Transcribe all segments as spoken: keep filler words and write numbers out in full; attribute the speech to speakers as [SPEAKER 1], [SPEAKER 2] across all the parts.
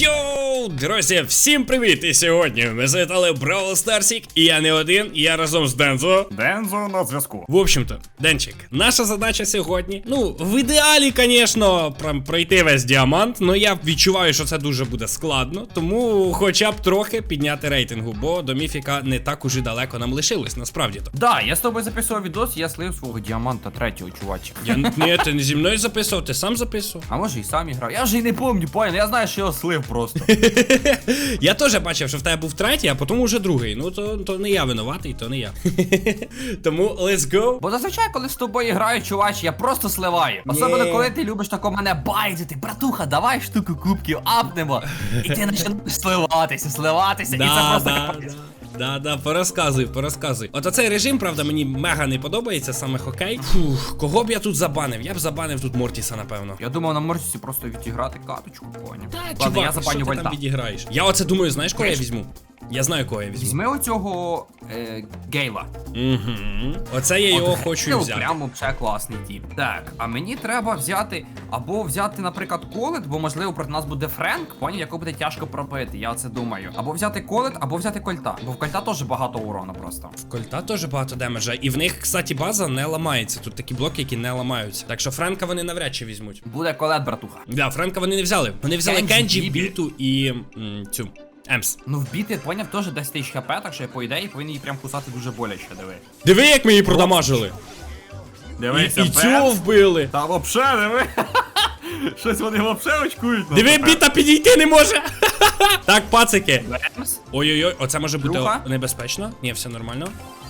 [SPEAKER 1] Йоу, друзі, всім привіт! І сьогодні ми завітали в Бравл Старсік, і я не один, і я разом з Дензо.
[SPEAKER 2] Дензо на зв'язку.
[SPEAKER 1] В общем-то, Денчик, наша задача сьогодні, ну, в ідеалі, звісно, пройти весь діамант, але я відчуваю, що це дуже буде складно, тому хоча б трохи підняти рейтингу, бо до міфіка не так уже далеко нам лишилось, насправді-то.
[SPEAKER 2] Да, я з тобою записував відос, я слив свого діаманта третього, чувачка.
[SPEAKER 1] Я, ні, ти не зі мною записував, ти сам записував.
[SPEAKER 2] А може і сам іграв. Я вже й не пам'ятаю, понял, я знаю, що я слив просто.
[SPEAKER 1] Я теж бачив, що в тебе був третій, а потім уже другий. Ну то, то не я винуватий, то не я. Тому let's go.
[SPEAKER 2] Бо зазвичай, коли з тобою граю, чувач, я просто сливаю. Особливо, коли ти любиш тако мене байдити. Братуха, давай штуку кубків апнемо. І ти починаєш сливатися, сливатися,
[SPEAKER 1] Да,
[SPEAKER 2] і це просто
[SPEAKER 1] да,
[SPEAKER 2] капець.
[SPEAKER 1] Да, да, порозказуй, порозказуй. От оцей режим, правда, мені мега не подобається, саме хокей. Фух, кого б я тут забанив? Я б забанив тут Мортіса, напевно.
[SPEAKER 2] Я думав на Морсісі просто відіграти каточку, поняв.
[SPEAKER 1] Та,
[SPEAKER 2] Ладно,
[SPEAKER 1] чувак,
[SPEAKER 2] я
[SPEAKER 1] що
[SPEAKER 2] забаню
[SPEAKER 1] ти
[SPEAKER 2] Вольта.
[SPEAKER 1] там відіграєш? Я оце думаю, знаєш, кого я візьму? Я знаю, кого я візьму.
[SPEAKER 2] Візьми оцього е, Гейла.
[SPEAKER 1] Угу. Оце я його
[SPEAKER 2] От
[SPEAKER 1] хочу
[SPEAKER 2] Гейл
[SPEAKER 1] взяти.
[SPEAKER 2] Прямо вже класний тіп. Так, а мені треба взяти, або взяти, наприклад, колет, бо можливо проти нас буде Френк, поняв, якого буде тяжко пробити, я оце думаю. Або взяти колет, або взяти кольта. Бо в кольта теж багато урона просто.
[SPEAKER 1] В кольта теж багато демеджа. І в них, кстати, база не ламається. Тут такі блоки, які не ламаються. Так що Френка вони навряд чи візьмуть.
[SPEAKER 2] Буде колет, братуха.
[SPEAKER 1] Да, Френка вони не взяли. Вони взяли
[SPEAKER 2] Кенджі,
[SPEAKER 1] Кенджі,
[SPEAKER 2] Бібі.
[SPEAKER 1] Біту і м, цю Емс.
[SPEAKER 2] Ну вбити, поняв, теж десять тисяч хп, так що я по ідеї повинен її прям кусати дуже боляче, диви.
[SPEAKER 1] Диви, як ми її продамажили. І, і цього вбили.
[SPEAKER 2] Та вообще, диви. Щось вони вообще очкують.
[SPEAKER 1] Диви, Біта підійти не може. Так, пацики.
[SPEAKER 2] Емс?
[SPEAKER 1] Ой-ой-ой, оце може бути
[SPEAKER 2] Друга?
[SPEAKER 1] небезпечно. Ні, все нормально.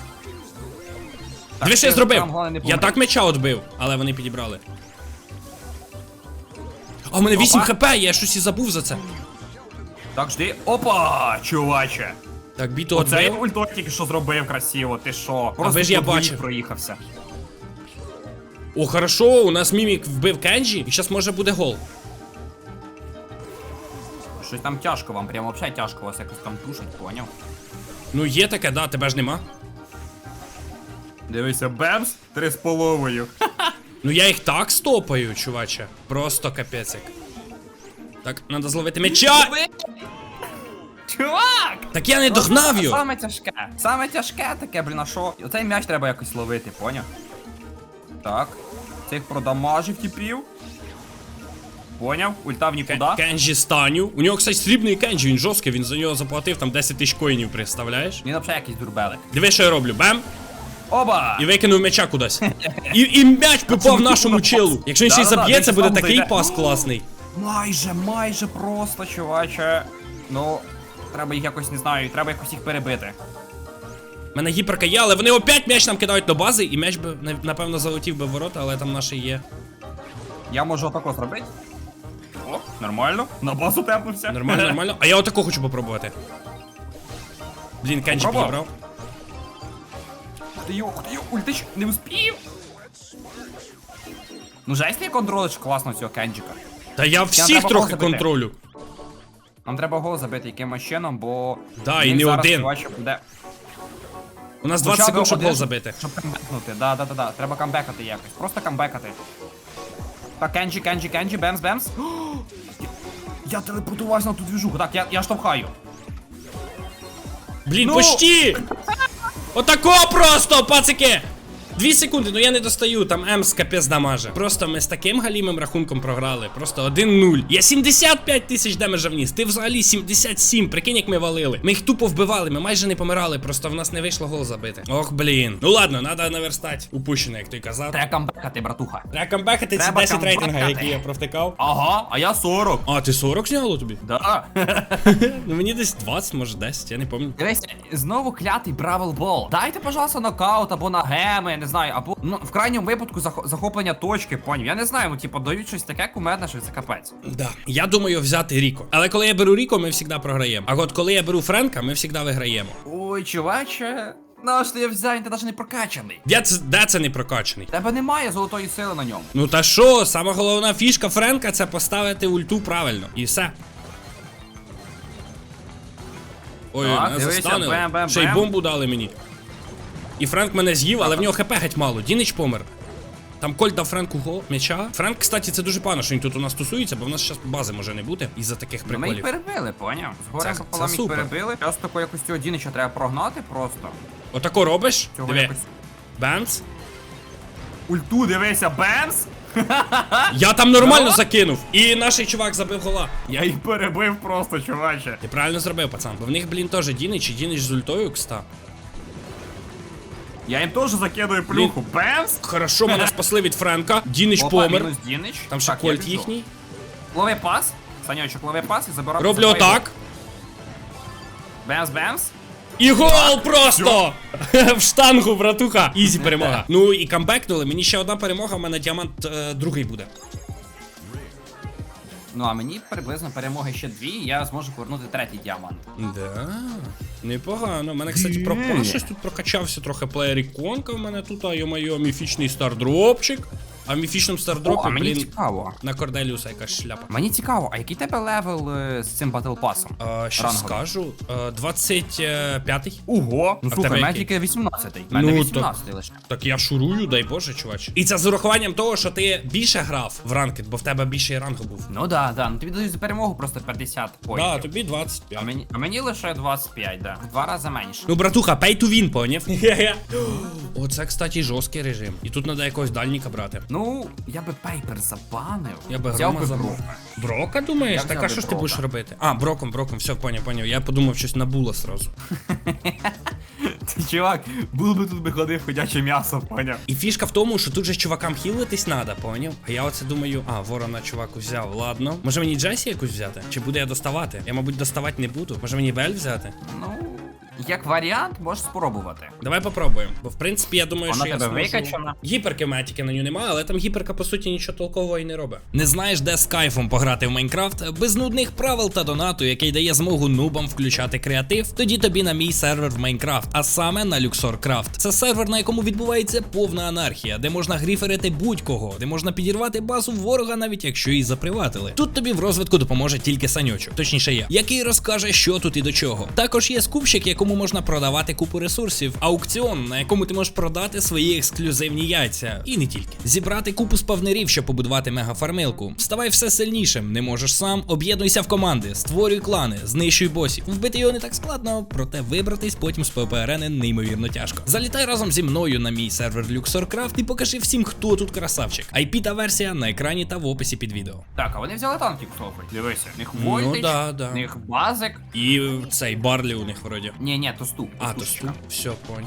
[SPEAKER 2] Так,
[SPEAKER 1] Диви, що я
[SPEAKER 2] ти
[SPEAKER 1] зробив.
[SPEAKER 2] там, головне, не
[SPEAKER 1] Я
[SPEAKER 2] помри.
[SPEAKER 1] так меча отбив, але вони підібрали. А в мене вісім
[SPEAKER 2] Опа.
[SPEAKER 1] хп, я щось і забув за це.
[SPEAKER 2] Так, жди. Опа, чуваче.
[SPEAKER 1] Так, Біту
[SPEAKER 2] Оцей
[SPEAKER 1] отбив.
[SPEAKER 2] ультот тільки що зробив красиво, ти що? Просто
[SPEAKER 1] ви ж я
[SPEAKER 2] по двоїх
[SPEAKER 1] бачив.
[SPEAKER 2] проїхався.
[SPEAKER 1] О, хорошо, у нас Мімік вбив Кенджі, і зараз може буде гол.
[SPEAKER 2] Щось там тяжко вам, прям вообще тяжко вас якось там тушить, поняв?
[SPEAKER 1] Ну є таке, да, тебе ж нема.
[SPEAKER 2] Дивися, бемс, три з половою.
[SPEAKER 1] Ну я їх так стопаю, чуваче. Просто капець як. Так, треба зловити м'яча.
[SPEAKER 2] Чувак!
[SPEAKER 1] Так я не догнав його.
[SPEAKER 2] Саме тяжке. Саме тяжке таке, блін, а що? Оцей м'яч треба якось ловити, поняв? Так. Цих продамажив типів. Поняв? Ульта в нікуди.
[SPEAKER 1] Кенджі станю. У нього, кстати, срібний Кенджі, він жорсткий, він за нього заплатив там десять тисяч коїнів, представляєш?
[SPEAKER 2] Він взагалі якийсь дурбелик.
[SPEAKER 1] Диви, що я роблю, бем,
[SPEAKER 2] Оба!
[SPEAKER 1] і викинув м'яча кудись. І, і м'яч попав нашому челу. Якщо він ще й
[SPEAKER 2] Да-да-да,
[SPEAKER 1] заб'є, це
[SPEAKER 2] він
[SPEAKER 1] буде
[SPEAKER 2] сам
[SPEAKER 1] такий
[SPEAKER 2] зайде.
[SPEAKER 1] пас класний.
[SPEAKER 2] Майже, майже просто, чуваче. Ну, треба їх якось, не знаю, треба якось їх перебити.
[SPEAKER 1] У мене гіперка є, але вони опять м'яч нам кидають до бази, і м'яч би, напевно, залетів би в ворота, але там наші є.
[SPEAKER 2] Я можу отако зробити. О, нормально. На базу тепнувся.
[SPEAKER 1] Нормально, нормально. А я отако хочу попробувати. Блін, Кенджі
[SPEAKER 2] Попробував?
[SPEAKER 1] підібрав.
[SPEAKER 2] Ух ти йо, ух ти йо, ультич, не успів. Ну, жесть, я контролиш класно цього кенджика.
[SPEAKER 1] Та я всіх
[SPEAKER 2] треба
[SPEAKER 1] трохи
[SPEAKER 2] гол забити.
[SPEAKER 1] контролю.
[SPEAKER 2] Нам треба гол забити якимось чином, бо...
[SPEAKER 1] Да,
[SPEAKER 2] в
[SPEAKER 1] і
[SPEAKER 2] них
[SPEAKER 1] не
[SPEAKER 2] зараз,
[SPEAKER 1] один.
[SPEAKER 2] чуваче, буде...
[SPEAKER 1] У нас двадцять
[SPEAKER 2] Хоча б
[SPEAKER 1] секунд, щоб
[SPEAKER 2] один,
[SPEAKER 1] гол забити.
[SPEAKER 2] Щоб камбекнути, да, да, да, да. Треба камбекати якось. Просто камбекати. Так, Кенджі, Кенджі, Кенджі, бемс, бемс. О, я, я телепортувався на ту двіжуху. Так, я, я штовхаю.
[SPEAKER 1] Блін,
[SPEAKER 2] Ну!
[SPEAKER 1] почти! Отако просто, пацики! Дві секунди, ну я не достаю, там Емс капець дамаже. Просто ми з таким галімим рахунком програли. Просто один нуль. Я сімдесят п'ять тисяч демеджа вніс, ти взагалі сімдесят сім, прикинь, як ми валили. Ми їх тупо вбивали, ми майже не помирали, просто в нас не вийшло гол забити. Ох, блін. Ну ладно, треба наверстати. Упущено, як той казав.
[SPEAKER 2] Треба камбекати, братуха.
[SPEAKER 1] Треба камбекати ці
[SPEAKER 2] Треба
[SPEAKER 1] десять рейтинга,
[SPEAKER 2] камбекати.
[SPEAKER 1] які я провтикав.
[SPEAKER 2] Ага, а я сорок.
[SPEAKER 1] А, ти сорок зняло тобі?
[SPEAKER 2] Да.
[SPEAKER 1] Ну мені десь двадцять, може десять, я не пам'ятаю.
[SPEAKER 2] Дивись, знову клятий Бравл Бол. Дайте, пожалуйста, нокаут або на геми, я не знаю, або ну в крайньому випадку зах- захоплення точки, поняв. Я не знаю, ну типу дають щось таке кумедне, що це капець.
[SPEAKER 1] Да. Я думаю взяти Ріко. Але коли я беру Ріко, ми завжди програємо. А от коли я беру Френка, ми завжди виграємо.
[SPEAKER 2] Ой, чуваче, ну що я взяв, ти навіть не прокачаний.
[SPEAKER 1] Де це, де це не прокачаний?
[SPEAKER 2] Тебе немає золотої сили на ньому.
[SPEAKER 1] Ну та що, сама головна фішка Френка це поставити ульту правильно. І все. Ой,
[SPEAKER 2] Так,
[SPEAKER 1] мене
[SPEAKER 2] дивися,
[SPEAKER 1] застанили.
[SPEAKER 2] бем-бем-бем.
[SPEAKER 1] Ще й бомбу дали мені. І Френк мене з'їв, але в нього хп геть мало. Дінич помер. Там Кольт дав Френку гол, м'яча. Френк, кстати, це дуже погано, що він тут у нас тусується, бо в нас зараз бази може не бути із-за таких
[SPEAKER 2] Ну, ми їх
[SPEAKER 1] приколів.
[SPEAKER 2] перебили, поняв? Згоря
[SPEAKER 1] Це-
[SPEAKER 2] пополам
[SPEAKER 1] це
[SPEAKER 2] їх
[SPEAKER 1] супер.
[SPEAKER 2] перебили. Зараз тако якось цього Дінича треба прогнати просто.
[SPEAKER 1] Отако робиш?
[SPEAKER 2] Цього
[SPEAKER 1] Диви.
[SPEAKER 2] якось...
[SPEAKER 1] Бемс.
[SPEAKER 2] Ульту, дивися, бемс!
[SPEAKER 1] Я там нормально
[SPEAKER 2] Здорово.
[SPEAKER 1] закинув. І наш чувак забив гола.
[SPEAKER 2] Я їх перебив просто, чуваче.
[SPEAKER 1] Ти правильно зробив, пацан. Бо в них, блін, теж Дінич і Дінич з ультою, кста.
[SPEAKER 2] Я їм теж закидую плюху. Бемс!
[SPEAKER 1] Хорошо, мене спасли від Френка. Дінич
[SPEAKER 2] Опа,
[SPEAKER 1] помер.
[SPEAKER 2] мінус Дінич.
[SPEAKER 1] Там ще
[SPEAKER 2] Так, я
[SPEAKER 1] Кольт
[SPEAKER 2] біжу.
[SPEAKER 1] їхній.
[SPEAKER 2] Лови пас. Санечок, лови пас і забирай.
[SPEAKER 1] Роблю
[SPEAKER 2] забирай
[SPEAKER 1] отак.
[SPEAKER 2] гол. Бемс, бемс.
[SPEAKER 1] І гол просто! В штангу, братуха. Ізі перемога. Ну і камбекнули. Мені ще одна перемога, в мене діамант е, другий буде.
[SPEAKER 2] Ну а мені приблизно перемоги ще дві, і я зможу повернути третій діамант.
[SPEAKER 1] Да, непогано. У мене, кстати, пропас щось тут прокачався трохи плеєр іконка в мене тут, а йо-моє, міфічний стардропчик. А в міфічному
[SPEAKER 2] О,
[SPEAKER 1] стардропі,
[SPEAKER 2] а мені
[SPEAKER 1] блін,
[SPEAKER 2] цікаво.
[SPEAKER 1] на Корделіуса якась шляпа.
[SPEAKER 2] Мені цікаво, а який тебе левел е, з цим батл пасом?
[SPEAKER 1] А, що
[SPEAKER 2] Ранговий.
[SPEAKER 1] скажу? А, двадцять п'ятий.
[SPEAKER 2] Ого! Ну
[SPEAKER 1] А в
[SPEAKER 2] слухай,
[SPEAKER 1] тебе
[SPEAKER 2] в мене
[SPEAKER 1] який?
[SPEAKER 2] тільки вісімнадцятий. У мене
[SPEAKER 1] Ну,
[SPEAKER 2] вісімнадцятий лише.
[SPEAKER 1] Так я шурую, дай Боже, чувач. І це з урахуванням того, що ти більше грав в ранкет, бо в тебе більше рангу був.
[SPEAKER 2] Ну да, да, ну тобі дають за перемогу просто п'ятдесят
[SPEAKER 1] Да,
[SPEAKER 2] поінтів.
[SPEAKER 1] тобі двадцять
[SPEAKER 2] А
[SPEAKER 1] п'ять.
[SPEAKER 2] мені, а мені лише двадцять п'ять, да. В два рази менше.
[SPEAKER 1] Ну, братуха, pay to win, поняв? Оце, кстати, жорсткий режим. І тут треба якогось дальніка брати.
[SPEAKER 2] Ну, я би Пейпер забанив.
[SPEAKER 1] Я би
[SPEAKER 2] взяв
[SPEAKER 1] грома
[SPEAKER 2] би
[SPEAKER 1] забрав.
[SPEAKER 2] Брока.
[SPEAKER 1] Брока, думаєш?
[SPEAKER 2] Я
[SPEAKER 1] Так
[SPEAKER 2] взяв
[SPEAKER 1] а
[SPEAKER 2] би
[SPEAKER 1] що ж ти
[SPEAKER 2] Брока.
[SPEAKER 1] будеш робити? А, броком, броком, все, поняв, поняв. Я подумав щось на була сразу.
[SPEAKER 2] Ти, чувак, був би тут би ходив ходяче м'ясо, поняв?
[SPEAKER 1] І фішка в тому, що тут же чувакам хілитись треба, поняв? А я оце думаю, а, ворона чувак взяв, ладно. Може мені Джесі якусь взяти? Чи буду я доставати? Я, мабуть, доставати не буду. Може мені Бель взяти?
[SPEAKER 2] Ну, як варіант, можеш спробувати.
[SPEAKER 1] Давай попробуємо. Бо в принципі я думаю,
[SPEAKER 2] Вона
[SPEAKER 1] що я
[SPEAKER 2] тебе
[SPEAKER 1] зможу...
[SPEAKER 2] викачана.
[SPEAKER 1] Гіперки в мене тільки на нього немає, але там гіперка по суті нічого толкового і не робить. Не знаєш, де з кайфом пограти в Майнкрафт? Без нудних правил та донату, який дає змогу нубам включати креатив, тоді тобі на мій сервер в Майнкрафт, а саме на LuxorCraft. Це сервер, на якому відбувається повна анархія, де можна гріферити будь-кого, де можна підірвати базу ворога, навіть якщо її заприватили. Тут тобі в розвитку допоможе тільки Саньочок, точніше я, який розкаже, що тут і до чого. Також є скупщик, якому можна продавати купу ресурсів, аукціон, на якому ти можеш продати свої ексклюзивні яйця. І не тільки. Зібрати купу спавнерів, щоб побудувати мегафармилку. Ставай все сильнішим, не можеш сам, об'єднуйся в команди, створюй клани, знищуй босів. Вбити його не так складно, проте вибратись потім з ПВП-арени неймовірно тяжко. Залітай разом зі мною на мій сервер LuxorCraft і покажи всім, хто тут красавчик. ай пі та версія на екрані та в описі під відео.
[SPEAKER 2] Так, а вони взяли танки, слухай. Дивися. В них
[SPEAKER 1] Ну,
[SPEAKER 2] вольтич,
[SPEAKER 1] да, да.
[SPEAKER 2] в них базик.
[SPEAKER 1] І цей Барлі у них вроді.
[SPEAKER 2] Ні, ні, то ступ.
[SPEAKER 1] А, то сту. Все, понял.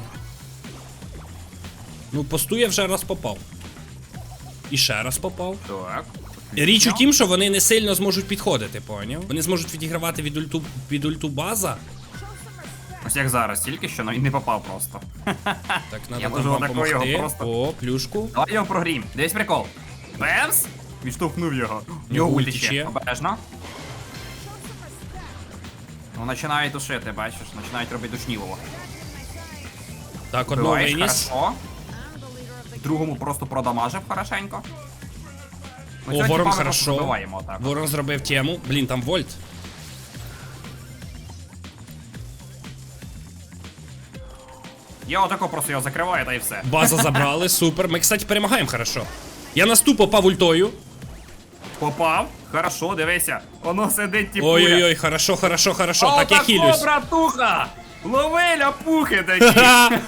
[SPEAKER 1] Ну, посту я вже раз попав. І ще раз попав.
[SPEAKER 2] Так.
[SPEAKER 1] Річ у тім, що вони не сильно зможуть підходити, поняв? Вони зможуть відігравати від ульту, від ульту база.
[SPEAKER 2] Ось як зараз, тільки що, ну і не попав просто.
[SPEAKER 1] Так, надо
[SPEAKER 2] Я
[SPEAKER 1] нам
[SPEAKER 2] можу
[SPEAKER 1] вам
[SPEAKER 2] отакою його
[SPEAKER 1] помогти.
[SPEAKER 2] просто-
[SPEAKER 1] О, плюшку.
[SPEAKER 2] Давай його прогрім. Дивись прикол. Бемс! Відштовхнув його. Його
[SPEAKER 1] ульти
[SPEAKER 2] ульти
[SPEAKER 1] ще.
[SPEAKER 2] ще. Обережно. Ну, починають душити, бачиш, починають робити душнілово.
[SPEAKER 1] Так, одного
[SPEAKER 2] Биваєш,
[SPEAKER 1] виніс.
[SPEAKER 2] хорошо. Другому просто продамажив хорошенько. Ну,
[SPEAKER 1] О,
[SPEAKER 2] цього
[SPEAKER 1] ворон
[SPEAKER 2] типа ми просто
[SPEAKER 1] хорошо.
[SPEAKER 2] забиваємо отак.
[SPEAKER 1] Ворон зробив тему. Блін, там вольт.
[SPEAKER 2] Я отако просто його закриваю, та і все.
[SPEAKER 1] База забрали, супер. Ми, кстати, перемагаємо хорошо. Я на сту попав ультою.
[SPEAKER 2] Попав. Хорошо, дивися. Воно сидить тіпує.
[SPEAKER 1] Ой-ой-ой, хорошо, хорошо, хорошо. Так, я хілюсь.
[SPEAKER 2] О, братуха! Лови ляпухи такі!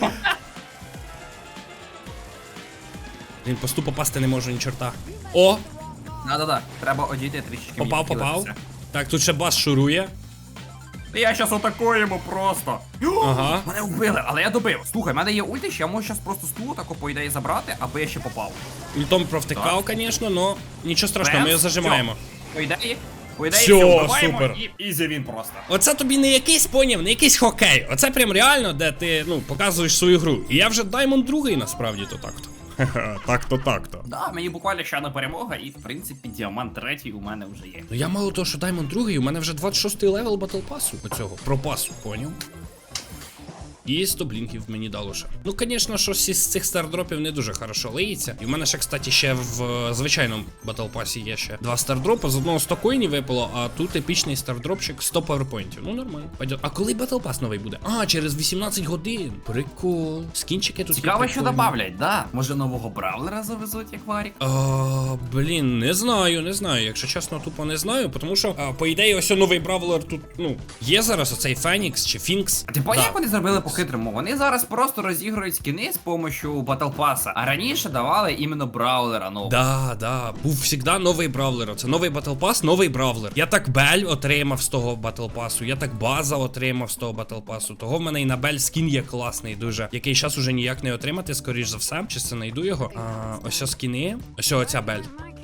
[SPEAKER 1] Він по сту попасти не можу ні чорта. О,
[SPEAKER 2] Да-да-да, треба одійти трішечки.
[SPEAKER 1] попав,
[SPEAKER 2] мені
[SPEAKER 1] попав.
[SPEAKER 2] хилитися.
[SPEAKER 1] Так, тут ще бас шурує.
[SPEAKER 2] Я щас отакую йому просто.
[SPEAKER 1] Ага.
[SPEAKER 2] Мене вбили, але я добив. Слухай, в мене є ультич, я можу щас просто стулу тако по ідеї забрати, аби я ще попав.
[SPEAKER 1] Ультом провтикав, звісно, но нічого страшного, ми його
[SPEAKER 2] Бемс,
[SPEAKER 1] зажимаємо.
[SPEAKER 2] всьо. По ідеї, по ідеї,
[SPEAKER 1] Всьо,
[SPEAKER 2] всьо, вбиваємо
[SPEAKER 1] супер.
[SPEAKER 2] і ізі він просто.
[SPEAKER 1] Оце тобі не якийсь поняв, не якийсь хокей. Оце прям реально, де ти, ну, показуєш свою гру. І я вже Даймонд другий, насправді, то так-то. Так-то, так-то.
[SPEAKER 2] Да, мені буквально ще одна перемога, і в принципі діамант третій у мене вже є.
[SPEAKER 1] Ну я мало того, що Даймонд другий, у мене вже двадцять шостий левел батл пасу оцього, про пасу, поняв? І сто блінків мені дало ще. Ну, звісно, щось із цих стардропів не дуже хорошо лиється. І в мене ще, кстати, ще в е, звичайному батл пасі є ще два стардропи. З одного сто коїнів випало, а тут епічний стардропчик сто паверпойнтів. Ну, нормально. Пойдет. А коли батл пас новий буде? А, через вісімнадцять годин. Прикол. Скінчики тут
[SPEAKER 2] Цікаво,
[SPEAKER 1] є
[SPEAKER 2] що
[SPEAKER 1] прикольні.
[SPEAKER 2] добавлять, да? Може нового бравлера завезуть, як Варік?
[SPEAKER 1] А, блін, не знаю, не знаю. Якщо чесно, тупо не знаю, тому що, а, по ідеї, ось новий бравлер тут, ну, є зараз оцей Фенікс чи Фінкс.
[SPEAKER 2] А ти поняв,
[SPEAKER 1] Да.
[SPEAKER 2] як вони зробили по-хитрому? Вони зараз просто розігрують скіни з помощью Battle Pass, а раніше давали іменно браулера нового.
[SPEAKER 1] Да, да, був завжди новий бравлер. Це новий батл пас, новий бравлер. Я так Бель отримав з того батл пасу, я так База отримав з того батл пасу. Того в мене і на Бель скін є класний дуже, який зараз уже ніяк не отримати, скоріш за все. Чи це знайду його? А, ось ось скіни. Ось оця Бель.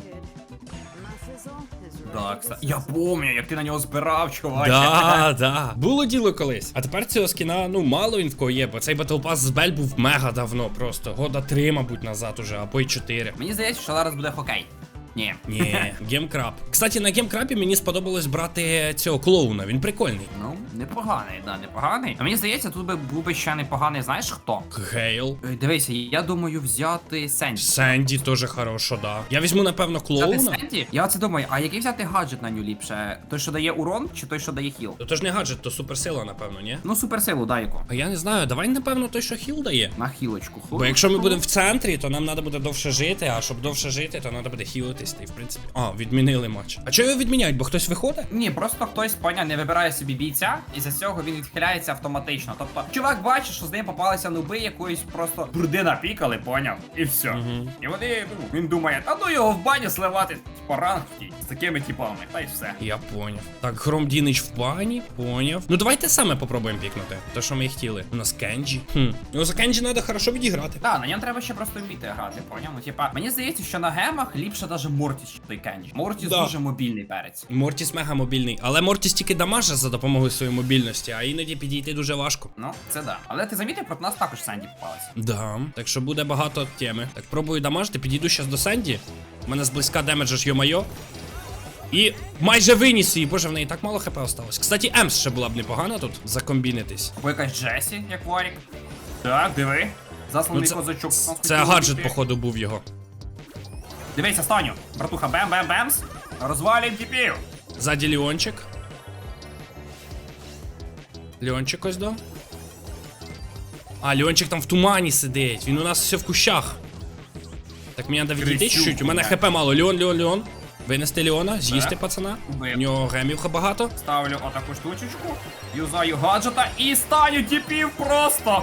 [SPEAKER 2] Да, кстати. Я пам'ятаю, як ти на нього збирав, чувак.
[SPEAKER 1] Да, да. Було діло колись. А тепер цього скіна, ну, мало він в кого є, бо цей батл пас з Бель був мега давно просто. Года три, мабуть, назад уже, або й чотири.
[SPEAKER 2] Мені здається, що зараз буде хокей. Ні.
[SPEAKER 1] Ні, гемкраб. Кстати, на гемкрабі мені сподобалось брати цього клоуна, він прикольний.
[SPEAKER 2] Ну, непоганий, да, непоганий. А мені здається, тут би був би ще непоганий, знаєш хто?
[SPEAKER 1] Гейл.
[SPEAKER 2] Ой, дивися, я думаю взяти Сенді.
[SPEAKER 1] Сенді теж хорошо, да. Я візьму, напевно,
[SPEAKER 2] Взяти
[SPEAKER 1] клоуна.
[SPEAKER 2] Сенді? Я оце думаю, а який взяти гаджет на нього ліпше? Той, що дає урон, чи той, що дає хіл?
[SPEAKER 1] То, то ж не гаджет, то суперсила, напевно, ні?
[SPEAKER 2] Ну, суперсилу, дай яку.
[SPEAKER 1] А я не знаю, давай, напевно, той, що хіл дає.
[SPEAKER 2] На хілочку.
[SPEAKER 1] Бо якщо ми будемо в центрі, то нам треба буде довше жити, а щоб довше жити, то треба буде хілитись, і в принципі. А, відмінили матч. А чого його відміняють? Бо хтось виходить?
[SPEAKER 2] Ні, просто хтось, поня, не вибирає собі бійця, і за цього він відхиляється автоматично. Тобто, чувак бачить, що з ним попалися нуби якоїсь просто бурди напікали, поняв? І все.
[SPEAKER 1] Угу.
[SPEAKER 2] І вони, ну, він думає, а ну його в баню сливати по ранки з такими типами, та й все.
[SPEAKER 1] Я поняв. Так, Гром Дінич в бані, поняв. Ну давайте саме попробуємо пікнути. Те, що ми і хотіли. У нас Кенджі. Хм. Ну за Кенджі треба хорошо відіграти.
[SPEAKER 2] Так, на ньому треба ще просто вміти грати, поняв? Ну, типа, мені здається, що на гемах ліпше даже Мортіс, ніж той Кенджі. Мортіс
[SPEAKER 1] Да.
[SPEAKER 2] дуже мобільний перець.
[SPEAKER 1] Мортіс мега мобільний, але Мортіс тільки дамаже за допомогою своєї мобільності, а іноді підійти дуже важко.
[SPEAKER 2] Ну, це да. Але ти замітив, проти нас також Сенді попалася.
[SPEAKER 1] Да, так що буде багато теми. Так, пробую дамажити, підійду зараз до Сенді. У мене зблизька демеджа ж йо-майо. І майже виніс її, боже, в неї так мало хп осталось. Кстати, Емс ще була б непогана тут закомбінитись.
[SPEAKER 2] Або якась Джесі, як Варік. Так, диви. Засланий
[SPEAKER 1] Ну, це-
[SPEAKER 2] козачок.
[SPEAKER 1] Це гаджет, походу, був його.
[SPEAKER 2] Дивись, останню. Братуха, бем-бем-бемс. Розвалюємо тіпів.
[SPEAKER 1] Ззаді Леончик. Леончик ось до. А, Леончик там в тумані сидить. Він у нас все в кущах. Так, мені треба відійти
[SPEAKER 2] Крисюк,
[SPEAKER 1] чуть-чуть. У мене
[SPEAKER 2] блядь.
[SPEAKER 1] хп мало. Леон, Леон, Леон. Винести Леона, з'їсти
[SPEAKER 2] Так.
[SPEAKER 1] пацана.
[SPEAKER 2] Убив.
[SPEAKER 1] У нього гемів багато.
[SPEAKER 2] Ставлю отаку штучечку. Юзаю гаджета і станю тіпів просто.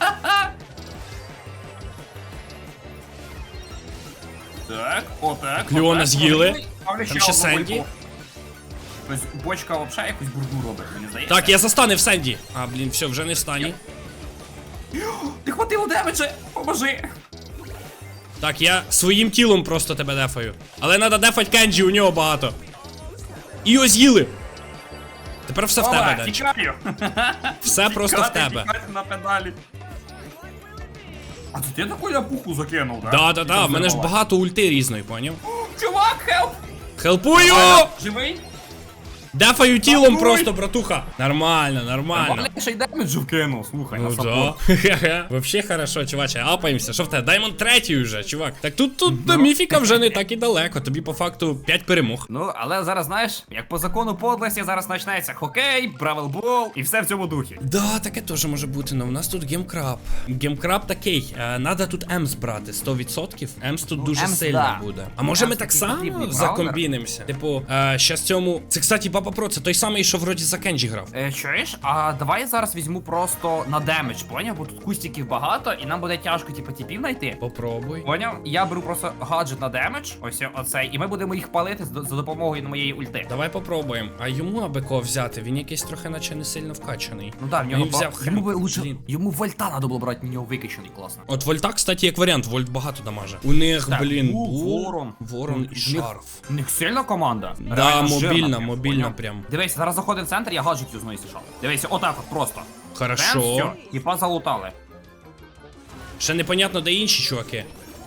[SPEAKER 2] Так, отак.
[SPEAKER 1] Леона
[SPEAKER 2] отак.
[SPEAKER 1] з'їли.
[SPEAKER 2] Ставлю
[SPEAKER 1] Там ще
[SPEAKER 2] одну
[SPEAKER 1] Сенді.
[SPEAKER 2] бульбу. Тобто бочка взагалі якусь бурду робить, мені здається.
[SPEAKER 1] Так, я застанив Сенді. А, блін, все, вже не в стані.
[SPEAKER 2] Ти хватило демеджа, поможи.
[SPEAKER 1] Так, я своїм тілом просто тебе дефаю. Але треба дефать Кенджі, у нього багато. І його з'їли. Тепер все в тебе,
[SPEAKER 2] Ова,
[SPEAKER 1] Денчик.
[SPEAKER 2] тікаю.
[SPEAKER 1] Все просто в
[SPEAKER 2] Тікати,
[SPEAKER 1] тебе.
[SPEAKER 2] тікати на педалі. А це ти таку ляпуху закинув, так?
[SPEAKER 1] Да, да, да, в мене ж багато ульти різної, поняв?
[SPEAKER 2] Чувак, хелп!
[SPEAKER 1] Хелпую!
[SPEAKER 2] Живий?
[SPEAKER 1] Дефаю тілом
[SPEAKER 2] Рятуй!
[SPEAKER 1] просто, братуха. Нормально, нормально.
[SPEAKER 2] Нормально. Ще й демеджу вкинув, слухай, на
[SPEAKER 1] Ну
[SPEAKER 2] саппорт.
[SPEAKER 1] да. Хе-хе. Вообще хорошо, чуваче, апаємося. Що в тебе? Даймонд третій вже, чувак. Так тут тут до міфіка вже не так і далеко. Тобі по факту п'ять перемог.
[SPEAKER 2] Ну, але зараз, знаєш, як по закону подлості, зараз почнеться хокей, бравелбол і все в цьому духі.
[SPEAKER 1] Да, таке теж може бути, але у нас тут гемкраб. Гемкраб такий, е, надо тут Емс брати, сто відсотків. Емс тут дуже
[SPEAKER 2] Емс,
[SPEAKER 1] сильно
[SPEAKER 2] да.
[SPEAKER 1] буде. А може
[SPEAKER 2] Емс
[SPEAKER 1] ми так
[SPEAKER 2] такий
[SPEAKER 1] само
[SPEAKER 2] потрібний
[SPEAKER 1] закомбінимося? Типу, е, щас цьому. Це, кстати, Папа Про, це той самий, що вроді за Кенджі грав.
[SPEAKER 2] Е, чуєш? А давай я зараз візьму просто на демедж, поняв? Бо тут кустиків багато, і нам буде тяжко, типу, типів знайти.
[SPEAKER 1] Попробуй.
[SPEAKER 2] Поняв? Я беру просто гаджет на демедж, ось оцей, і ми будемо їх палити з- за допомогою моєї ульти.
[SPEAKER 1] Давай попробуємо. А йому аби кого взяти, він якийсь трохи наче не сильно вкачаний.
[SPEAKER 2] Ну так, в нього
[SPEAKER 1] Він
[SPEAKER 2] ба-
[SPEAKER 1] взяв
[SPEAKER 2] йому би
[SPEAKER 1] хрен.
[SPEAKER 2] лучше,
[SPEAKER 1] Блін.
[SPEAKER 2] йому вольта треба було брати, на нього викачаний, класно.
[SPEAKER 1] От Вольта, кстати, як варіант, Вольт багато дамаже. У них,
[SPEAKER 2] Так,
[SPEAKER 1] блін,
[SPEAKER 2] у,
[SPEAKER 1] Бул,
[SPEAKER 2] Ворон.
[SPEAKER 1] Ворон і
[SPEAKER 2] В них-
[SPEAKER 1] Шарф.
[SPEAKER 2] У них сильна команда.
[SPEAKER 1] Да,
[SPEAKER 2] Реально жирна
[SPEAKER 1] мобільна,
[SPEAKER 2] прям,
[SPEAKER 1] мобільна
[SPEAKER 2] поняв?
[SPEAKER 1] прям.
[SPEAKER 2] Дивись, зараз заходить в центр, я гаджет юзну, якщо що. Дивися, отак от просто.
[SPEAKER 1] Хорошо.
[SPEAKER 2] Все, типа залутали.
[SPEAKER 1] Ще непонятно, де інші чуваки.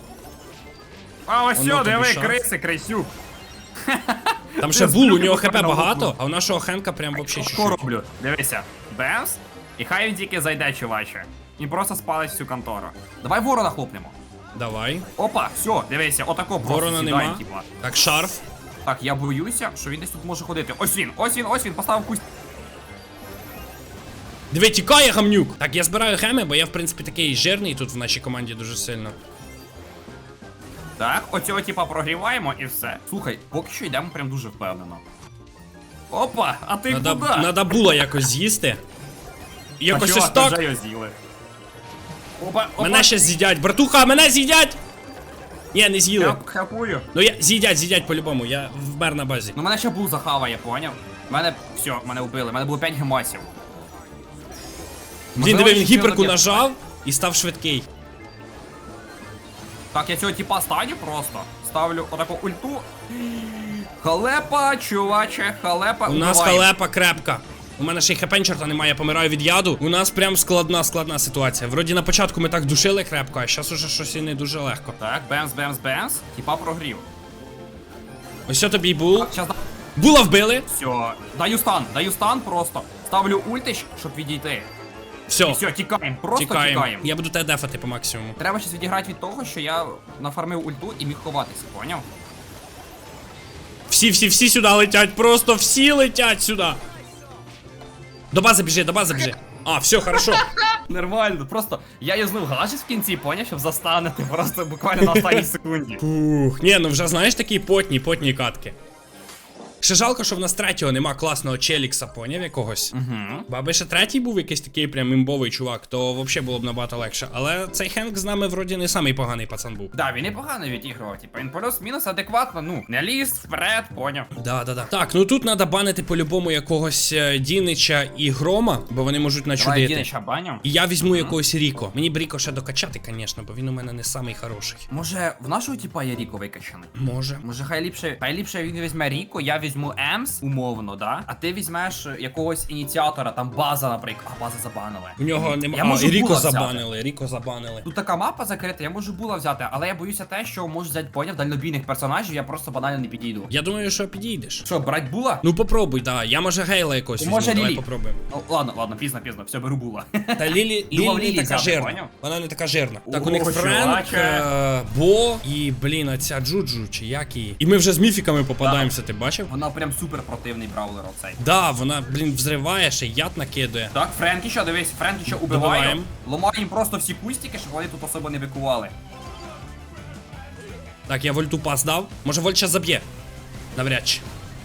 [SPEAKER 2] А ось
[SPEAKER 1] Воно
[SPEAKER 2] все,
[SPEAKER 1] тобі
[SPEAKER 2] диви,
[SPEAKER 1] шанс.
[SPEAKER 2] криси, крисюк.
[SPEAKER 1] Там
[SPEAKER 2] Ти
[SPEAKER 1] ще
[SPEAKER 2] з
[SPEAKER 1] Бул, у
[SPEAKER 2] брюки
[SPEAKER 1] нього хп
[SPEAKER 2] потрапив на
[SPEAKER 1] багато,
[SPEAKER 2] лапу.
[SPEAKER 1] а у нашого Хенка прям вообще
[SPEAKER 2] Що
[SPEAKER 1] чуть-чуть.
[SPEAKER 2] роблю? Дивися. Бемс. І хай він тільки зайде, чуваче. Він просто спалить всю контору. Давай ворона хлопнемо.
[SPEAKER 1] Давай.
[SPEAKER 2] Опа, все, дивися, отако просто
[SPEAKER 1] Ворона
[SPEAKER 2] сідає,
[SPEAKER 1] нема.
[SPEAKER 2] типа.
[SPEAKER 1] Так, шарф.
[SPEAKER 2] Так, я боюся, що він десь тут може ходити. Ось він, ось він, ось він, поставив кусь.
[SPEAKER 1] Диви, тікає гамнюк. Так, я збираю геми, бо я, в принципі, такий жирний тут в нашій команді дуже сильно.
[SPEAKER 2] Так, оцього типа прогріваємо і все. Слухай, поки що йдемо прям дуже впевнено. Опа, а ти
[SPEAKER 1] Надо,
[SPEAKER 2] куди?
[SPEAKER 1] надо було якось з'їсти. Якось
[SPEAKER 2] А чого,
[SPEAKER 1] ось
[SPEAKER 2] ти
[SPEAKER 1] так.
[SPEAKER 2] вже його з'їли. Опа, опа.
[SPEAKER 1] Мене ще з'їдять. Братуха, мене з'їдять! Ні, не з'їли.
[SPEAKER 2] Я хапую.
[SPEAKER 1] Ну я з'їдять, з'їдять по-любому, я вмер на базі.
[SPEAKER 2] Ну мене ще бул захаває, поняв? Мене, все, мене вбили, мене було п'ять гемасів.
[SPEAKER 1] Блін,
[SPEAKER 2] Можливо,
[SPEAKER 1] диви, він
[SPEAKER 2] ще
[SPEAKER 1] гіперку
[SPEAKER 2] доб'є.
[SPEAKER 1] нажав і став швидкий.
[SPEAKER 2] Так, я цього типа станю просто. Ставлю отаку ульту. Халепа, чуваче, халепа.
[SPEAKER 1] У нас
[SPEAKER 2] убиваємо.
[SPEAKER 1] халепа крепка. У мене ще й хепенчерта немає, я помираю від яду. У нас прям складна, складна ситуація. Вроді на початку ми так душили крепко, а зараз уже щось і не дуже легко.
[SPEAKER 2] Так, бемс, бемс, бемс. Типа прогрів.
[SPEAKER 1] Ось що тобі бул.
[SPEAKER 2] Щас да...
[SPEAKER 1] Була вбили.
[SPEAKER 2] Все, даю стан, даю стан просто. Ставлю ультич, щоб відійти. І
[SPEAKER 1] Все,
[SPEAKER 2] все, тікаємо, просто
[SPEAKER 1] тікаємо.
[SPEAKER 2] тікаємо.
[SPEAKER 1] Я буду тебе дефати по максимуму.
[SPEAKER 2] Треба щось відіграти від того, що я нафармив ульту і міг ховатися, поняв?
[SPEAKER 1] Всі, всі, всі сюди летять, просто всі летять сюди. До бази біжи, до бази біжи. А, все, хорошо.
[SPEAKER 2] Нормально, просто я юзнув гаджет в кінці, поняв, щоб застанути просто буквально на останній секунді.
[SPEAKER 1] Ух, ні, ну вже знаєш такі потні, потні катки. Ще жалко, що в нас третього нема класного челікса, поняв якогось.
[SPEAKER 2] Угу.
[SPEAKER 1] Бо аби ще третій був якийсь такий прям імбовий чувак, то взагалі було б набагато легше. Але цей Хенк з нами вроді не самий поганий пацан був.
[SPEAKER 2] Да, він непогано відігрував, типу, він плюс-мінус адекватно, ну, не ліз вперед, поняв.
[SPEAKER 1] Да, да, да. Так, ну тут треба банити по-любому якогось е, Дінича і Грома, бо вони можуть
[SPEAKER 2] Давай
[SPEAKER 1] начудити.
[SPEAKER 2] Дінича баню.
[SPEAKER 1] І я візьму якогось Ріко. Мені б Ріко ще докачати, звісно, бо він у мене не самий хороший.
[SPEAKER 2] Може, в нашого типа є Ріко викачаний?
[SPEAKER 1] Може.
[SPEAKER 2] Може, хай ліпше, хай ліпше він візьме Ріко, я візьму Емс, умовно, да? А ти візьмеш якогось ініціатора, там база, наприклад. А, база забанили.
[SPEAKER 1] У нього
[SPEAKER 2] Я
[SPEAKER 1] немає.
[SPEAKER 2] можу
[SPEAKER 1] А, і Ріко
[SPEAKER 2] Була взяти.
[SPEAKER 1] забанили, Ріко забанили.
[SPEAKER 2] Тут така мапа закрита, я можу була взяти, але я боюся те, що можу взяти, поняв, дальнобійних персонажів, я просто банально не підійду.
[SPEAKER 1] Я думаю, що підійдеш.
[SPEAKER 2] Що, брать була?
[SPEAKER 1] Ну попробуй, да. Я може Гейла якось візьму,
[SPEAKER 2] Може,
[SPEAKER 1] давай
[SPEAKER 2] Лілі.
[SPEAKER 1] попробуємо.
[SPEAKER 2] Ну, ладно, ладно, пізно, пізно, все, беру була.
[SPEAKER 1] Та Лілі,
[SPEAKER 2] Думав,
[SPEAKER 1] Лілі
[SPEAKER 2] Лілі
[SPEAKER 1] не така
[SPEAKER 2] взяти,
[SPEAKER 1] жирна.
[SPEAKER 2] поняв?
[SPEAKER 1] Вона не така жирна. Так, у
[SPEAKER 2] О,
[SPEAKER 1] них Френк,
[SPEAKER 2] чуваче.
[SPEAKER 1] е, Бо і, блін, оця Джуджу, чи як її. І ми вже з міфіками попадаємося, ти бачив?
[SPEAKER 2] Вона прям супер противний браулер оцей.
[SPEAKER 1] Да, вона, блін, взриває, ще яд накидує.
[SPEAKER 2] Так, Френкі що, дивись, Френкі що убиваю.
[SPEAKER 1] Добиваємо.
[SPEAKER 2] Ломаю їм просто всі кустики, щоб вони тут особо не бикували.
[SPEAKER 1] Так, я вольту пас дав. Може вольт зараз заб'є. Навряд чи.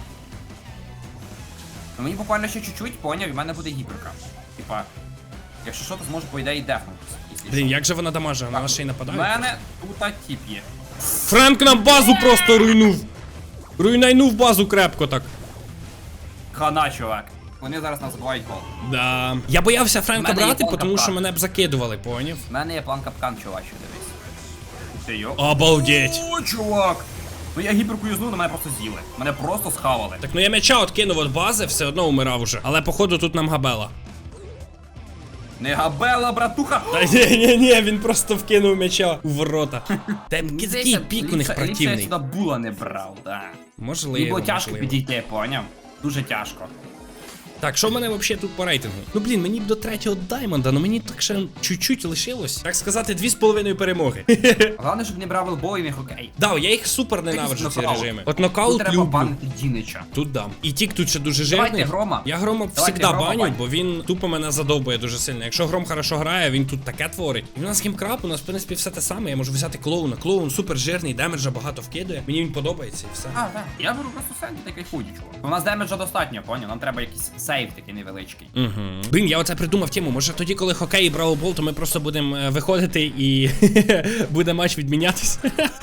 [SPEAKER 2] Ну мені буквально ще чуть-чуть, поняв, і в мене буде гіперка. Типа, якщо що, то зможу по ідеї дефнутися. якщо
[SPEAKER 1] Блін,
[SPEAKER 2] що.
[SPEAKER 1] як же вона дамаже? Вона ще й
[SPEAKER 2] У
[SPEAKER 1] нападає.
[SPEAKER 2] мене тут тіп є.
[SPEAKER 1] Френк нам базу просто руйнув. Руйнайнув базу крепко так.
[SPEAKER 2] Хана, чувак. Вони зараз нас забувають гол.
[SPEAKER 1] Да. Я боявся Френка
[SPEAKER 2] В мене є
[SPEAKER 1] брати,
[SPEAKER 2] план
[SPEAKER 1] тому що
[SPEAKER 2] капкан.
[SPEAKER 1] мене б закидували, поняв?
[SPEAKER 2] У мене є план капкан, чувачу, дивись. Ух ти йо.
[SPEAKER 1] Обалдеть.
[SPEAKER 2] О, чувак! Ну я гіперку юзнув, на мене просто з'їли. Мене просто схавали.
[SPEAKER 1] Так, ну я м'яча откинув від бази, все одно умирав уже. Але походу тут нам габела.
[SPEAKER 2] Не габела, братуха!
[SPEAKER 1] Та ні, ні, ні, він просто вкинув м'яча у ворота. Та який
[SPEAKER 2] Здається,
[SPEAKER 1] пік у них
[SPEAKER 2] ліпше- ліпше я
[SPEAKER 1] противний.
[SPEAKER 2] сюди була не брав, да. Мені
[SPEAKER 1] Можливо,
[SPEAKER 2] було тяжко
[SPEAKER 1] можливо.
[SPEAKER 2] підійти, поняв? Дуже тяжко.
[SPEAKER 1] Так, що в мене взагалі тут по рейтингу? Ну блін, мені б до третього даймонда, ну мені так ще чуть-чуть лишилось. Так сказати, дві з половиною перемоги.
[SPEAKER 2] Головне, щоб не брав елбой, не хокей.
[SPEAKER 1] Да, я їх супер ненавиджу ці
[SPEAKER 2] нокаут.
[SPEAKER 1] режими. От
[SPEAKER 2] Тут
[SPEAKER 1] нокаут
[SPEAKER 2] треба
[SPEAKER 1] люблю.
[SPEAKER 2] банити Дінича.
[SPEAKER 1] Тут дам. І тік тут ще дуже
[SPEAKER 2] Давайте
[SPEAKER 1] жирний.
[SPEAKER 2] Грома.
[SPEAKER 1] Я Грома
[SPEAKER 2] Давайте
[SPEAKER 1] завжди
[SPEAKER 2] Грома
[SPEAKER 1] баню,
[SPEAKER 2] бань.
[SPEAKER 1] бо він тупо мене задовбує дуже сильно. Якщо Гром хорошо грає, він тут таке творить. І в нас гімкраб, у нас в принципі все те саме. Я можу взяти клоуна. Клоун супер жирний, демеджа багато вкидує. Мені він подобається і все.
[SPEAKER 2] А, так. Я беру просто сенді та кайфуді, чувак. У нас демеджа достатньо, поняв? Нам треба якийсь сейв такий невеличкий.
[SPEAKER 1] Угу. Блін, я оце придумав тему. Може тоді, коли хокей і браулбол, то ми просто будемо е, виходити і буде матч відмінятись.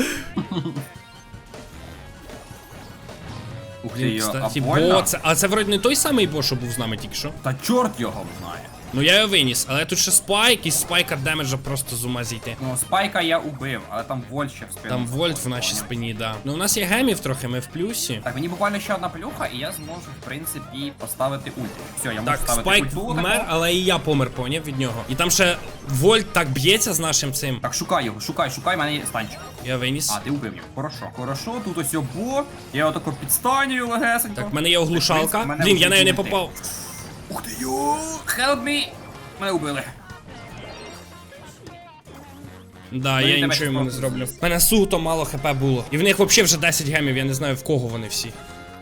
[SPEAKER 2] Ух ти
[SPEAKER 1] Блін,
[SPEAKER 2] йо, а
[SPEAKER 1] кстати,
[SPEAKER 2] больно?
[SPEAKER 1] бо це. А це вроді не той самий бо, що був з нами тільки що.
[SPEAKER 2] Та чорт його знає.
[SPEAKER 1] Ну я його виніс, але тут ще спайк, і спайкер демеджа просто з ума зійти.
[SPEAKER 2] Ну, спайка я убив, але там вольт ще в спину.
[SPEAKER 1] Там вольт в
[SPEAKER 2] заходить,
[SPEAKER 1] нашій
[SPEAKER 2] поняв?
[SPEAKER 1] спині, да. Ну у нас є гемів трохи, ми в плюсі.
[SPEAKER 2] Так, мені буквально ще одна плюха, і я зможу, в принципі, поставити ульти. Все, я можу
[SPEAKER 1] Так,
[SPEAKER 2] ставити
[SPEAKER 1] спайк
[SPEAKER 2] ульту.
[SPEAKER 1] вмер,
[SPEAKER 2] таку.
[SPEAKER 1] але і я помер, поняв від нього. І там ще вольт так б'ється з нашим цим.
[SPEAKER 2] Так, шукай його, шукай, шукай, в мене є станчик.
[SPEAKER 1] Я виніс.
[SPEAKER 2] А, ти убив його. Хорошо. Хорошо, тут ось обо. Я його тако підстанюю легесенько.
[SPEAKER 1] Так, в мене є оглушалка.
[SPEAKER 2] В принципі, мене
[SPEAKER 1] Блін, я
[SPEAKER 2] вже
[SPEAKER 1] нею не
[SPEAKER 2] ульти.
[SPEAKER 1] попав.
[SPEAKER 2] Ух ти йо! Help me! Мене убили.
[SPEAKER 1] Да,
[SPEAKER 2] Ну,
[SPEAKER 1] я
[SPEAKER 2] і тебе
[SPEAKER 1] нічого йому не
[SPEAKER 2] просто
[SPEAKER 1] зроблю. У мене суто мало хп було. І в них взагалі вже десять гемів, я не знаю в кого вони всі.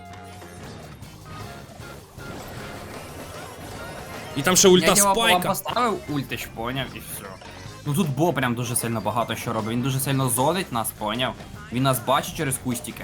[SPEAKER 1] І там ще ульта
[SPEAKER 2] Я його вам
[SPEAKER 1] спайка.
[SPEAKER 2] поставив ультич, поняв, і все. Ну тут Бо прям дуже сильно багато що робить. Він дуже сильно зонить нас, поняв. Він нас бачить через кустики.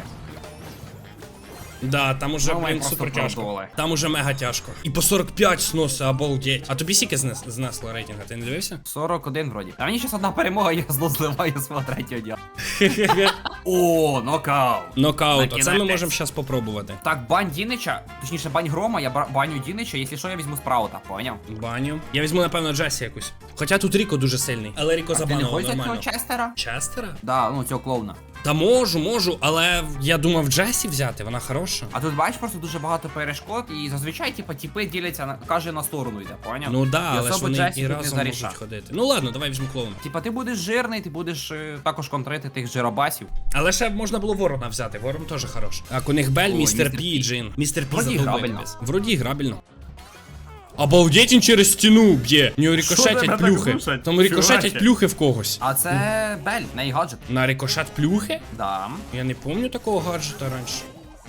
[SPEAKER 1] Да, там уже,
[SPEAKER 2] Ну, ми
[SPEAKER 1] блін,
[SPEAKER 2] просто
[SPEAKER 1] супер тяжко.
[SPEAKER 2] продули.
[SPEAKER 1] Там уже мега тяжко. І по сорок п'ять сноси, обалдеть. А тобі скільки знес, знесло рейтинга, ти не дивився?
[SPEAKER 2] сорок один вроді. А мені щас одна перемога, я зло зливаю свого третього дня. О, нокаут.
[SPEAKER 1] Нокаут, оце ми
[SPEAKER 2] Накінець.
[SPEAKER 1] можемо зараз попробувати.
[SPEAKER 2] Так, бань Дінича, точніше бань Грома, я ба- баню Дінича, якщо що, я візьму спраута, поняв?
[SPEAKER 1] Баню. Я візьму, напевно, Джесі якусь. Хоча тут Ріко дуже сильний. Але Ріко
[SPEAKER 2] Ти не
[SPEAKER 1] забанував
[SPEAKER 2] хочеш
[SPEAKER 1] нормально.
[SPEAKER 2] цього Честера?
[SPEAKER 1] Честера?
[SPEAKER 2] Да, ну цього клоуна.
[SPEAKER 1] Та можу, можу, але я думав Джесі взяти, вона хороша.
[SPEAKER 2] А тут бачиш просто дуже багато перешкод, і зазвичай, типа, тіпи діляться на каже на сторону йде, поняв?
[SPEAKER 1] Ну да,
[SPEAKER 2] І
[SPEAKER 1] але ж
[SPEAKER 2] особо
[SPEAKER 1] вони
[SPEAKER 2] Джесі
[SPEAKER 1] і
[SPEAKER 2] тут не
[SPEAKER 1] разом
[SPEAKER 2] зарішав.
[SPEAKER 1] можуть ходити. Ну ладно, давай візьму клоуна.
[SPEAKER 2] Типа, ти будеш жирний, ти будеш е, також контрити тих жиробасів.
[SPEAKER 1] Але ще можна було ворона взяти, ворон теж хорош. Так, у них Бель,
[SPEAKER 2] Ой,
[SPEAKER 1] містер
[SPEAKER 2] містер
[SPEAKER 1] Пі
[SPEAKER 2] Пі.
[SPEAKER 1] і Джин. Містер Пі
[SPEAKER 2] Вроді
[SPEAKER 1] задовбив
[SPEAKER 2] грабельно.
[SPEAKER 1] без. Вроді грабельно. Обалдеть, він через стіну б'є. У нього
[SPEAKER 2] Що тебе
[SPEAKER 1] рикошетять
[SPEAKER 2] так
[SPEAKER 1] плюхи.
[SPEAKER 2] глушать,
[SPEAKER 1] Там рикошетять
[SPEAKER 2] чуваче?
[SPEAKER 1] плюхи в когось.
[SPEAKER 2] А це Бель, в неї гаджет.
[SPEAKER 1] На рикошет плюхи?
[SPEAKER 2] Да.
[SPEAKER 1] Я не пам'ятаю такого гаджета раніше.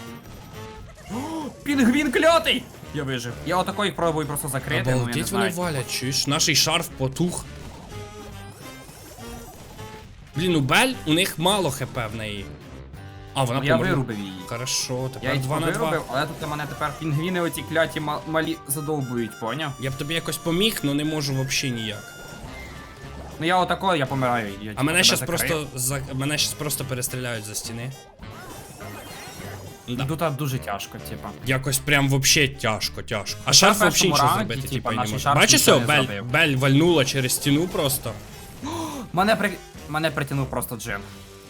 [SPEAKER 2] Пінгвін клятий! Я вижив. Я отако їх пробую просто закрити, ну я не
[SPEAKER 1] Обалдеть, вони
[SPEAKER 2] знаю.
[SPEAKER 1] валять, чуєш? Наший шарф потух. Блін, у Бель, у них мало хп в неї. А, вона
[SPEAKER 2] Ну, я
[SPEAKER 1] померла.
[SPEAKER 2] вирубив її.
[SPEAKER 1] Хорошо,
[SPEAKER 2] Я
[SPEAKER 1] тепер
[SPEAKER 2] їх
[SPEAKER 1] два на
[SPEAKER 2] вирубив,
[SPEAKER 1] два.
[SPEAKER 2] але тут мене тепер пінгвіни оці кляті ма- малі задовбують, поняв?
[SPEAKER 1] Я б тобі якось поміг, але не можу взагалі ніяк.
[SPEAKER 2] Ну я отако, я помираю. Я,
[SPEAKER 1] А
[SPEAKER 2] типу,
[SPEAKER 1] мене
[SPEAKER 2] тебе
[SPEAKER 1] щас
[SPEAKER 2] закрию.
[SPEAKER 1] просто за... мене щас просто перестріляють за стіни. Да.
[SPEAKER 2] Тут дуже тяжко, типа.
[SPEAKER 1] Якось прям вообще тяжко, тяжко. А
[SPEAKER 2] Ну,
[SPEAKER 1] шарф
[SPEAKER 2] це в
[SPEAKER 1] вообще
[SPEAKER 2] першому
[SPEAKER 1] нічого
[SPEAKER 2] раунді,
[SPEAKER 1] зробити,
[SPEAKER 2] типа,
[SPEAKER 1] типа, і не
[SPEAKER 2] наш
[SPEAKER 1] може.
[SPEAKER 2] шарф
[SPEAKER 1] Бачиш,
[SPEAKER 2] нічого
[SPEAKER 1] все,
[SPEAKER 2] не
[SPEAKER 1] Бель,
[SPEAKER 2] зробив.
[SPEAKER 1] Бель вальнула через стіну просто.
[SPEAKER 2] Мене при... Мене притягнув просто Джин.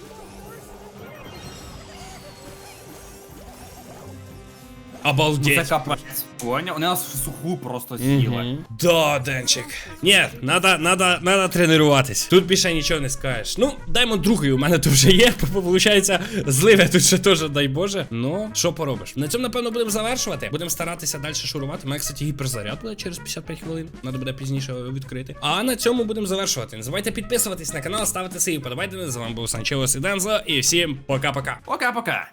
[SPEAKER 2] Ну це
[SPEAKER 1] Обалдеть.
[SPEAKER 2] капець. Поняв? Вони нас в суху просто з'їли.
[SPEAKER 1] Мгм. Да, Денчик. Ні, надо, надо, надо тренуватись. Тут більше нічого не скажеш. Ну, даймо другий, у мене тут вже є. Получається, зливе тут ще теж, дай Боже. Ну, що поробиш? На цьому, напевно, будемо завершувати. Будемо старатися далі шурувати. У мене, кстати, гіперзаряд буде через п'ятдесят п'ять хвилин. Надо буде пізніше відкрити. А на цьому будемо завершувати. Не забувайте підписуватись на канал, ставити свої вподобайки. З вами був Санчеус і Дензо. І всім пока-пока.
[SPEAKER 2] Пока-пока.